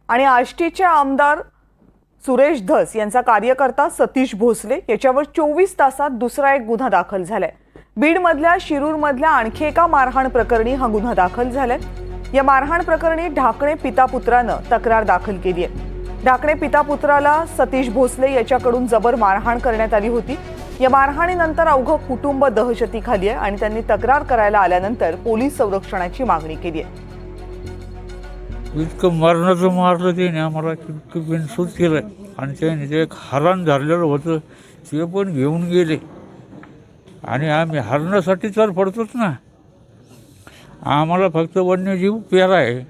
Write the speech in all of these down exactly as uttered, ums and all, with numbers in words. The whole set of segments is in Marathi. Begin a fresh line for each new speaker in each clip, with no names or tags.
आणि आष्टीचे आमदार सुरेश धस यांचा कार्यकर्ता सतीश भोसले याच्यावर चोवीस तासात दुसरा एक गुन्हा दाखल झालाय। बीडमधल्या शिरूरमधल्या आणखी एका मारहाण प्रकरणी हा गुन्हा दाखल झालाय। या मारहाण प्रकरणी ढाकणे पिता पुत्रानं तक्रार दाखल केली आहे। ढाकणे पिता पुत्राला सतीश भोसले याच्याकडून जबर मारहाण करण्यात आली होती। या मारहाणीनंतर अवघं कुटुंब दहशतीखाली आहे आणि त्यांनी तक्रार करायला आल्यानंतर पोलीस संरक्षणाची मागणी केली आहे।
इतकं मरणाचं मारलं त्याने आम्हाला, इतकं बिनसूत केलं आणि त्याने जे एक हरण धरलेलं होतं ते पण घेऊन गेले आणि आम्ही हरणासाठी तर पडतोच ना, आम्हाला फक्त वन्यजीव प्यारा आहे,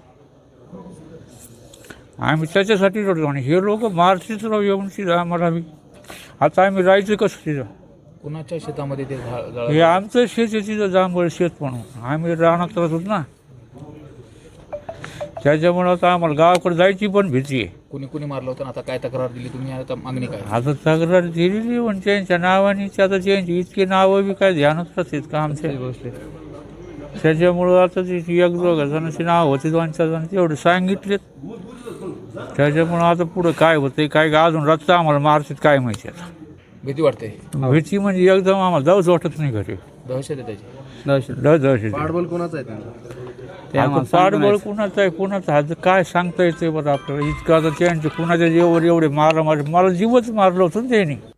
आम्ही त्याच्यासाठी रडतो आणि हे लोक मारतीच राहू येऊन तिथं आम्हाला बी। आता आम्ही राहायचं कसं तिथं?
कुणाच्या शेतामध्ये ते झा-
हे आमचं शेत आहे तिथं, जांभळ शेत म्हणून आम्ही राहणार राहतो ना, त्याच्यामुळं आता आम्हाला गावाकडे जायची पण भीती आहे।
कुणी कुणी मारलं होतं? आता काय तक्रार दिली तुम्ही? आता मागणी काय?
आता तक्रार दिलेली पण त्यांच्या नावाने, आता त्यांची इतकी नावं बी काय ध्यानच राहतात का आमच्या गोष्टी, त्याच्यामुळं आता ती एक दोघा जणांची नाव होती, दोन चार जण तेवढे सांगितलेत, त्याच्यामुळं आता पुढं काय होतंय काय अजून रस्ता आम्हाला मारतात काय माहिती। आता
भीती वाटते?
भीती म्हणजे एकदम आम्हाला जाऊच वाटत नाही घरी,
दहशत आहे त्याची?
दहशत दहशत
पाठबळ कोणाचं आहे त्यांचं?
आता पाठबळ कुणाचं आहे कुणाचं आहे काय सांगता येते बरं आपल्याला। इतकं आता त्यांचे कुणाच्या जेवर एवढे मारा मार मला जीवच मारलं होतं ना त्यांनी।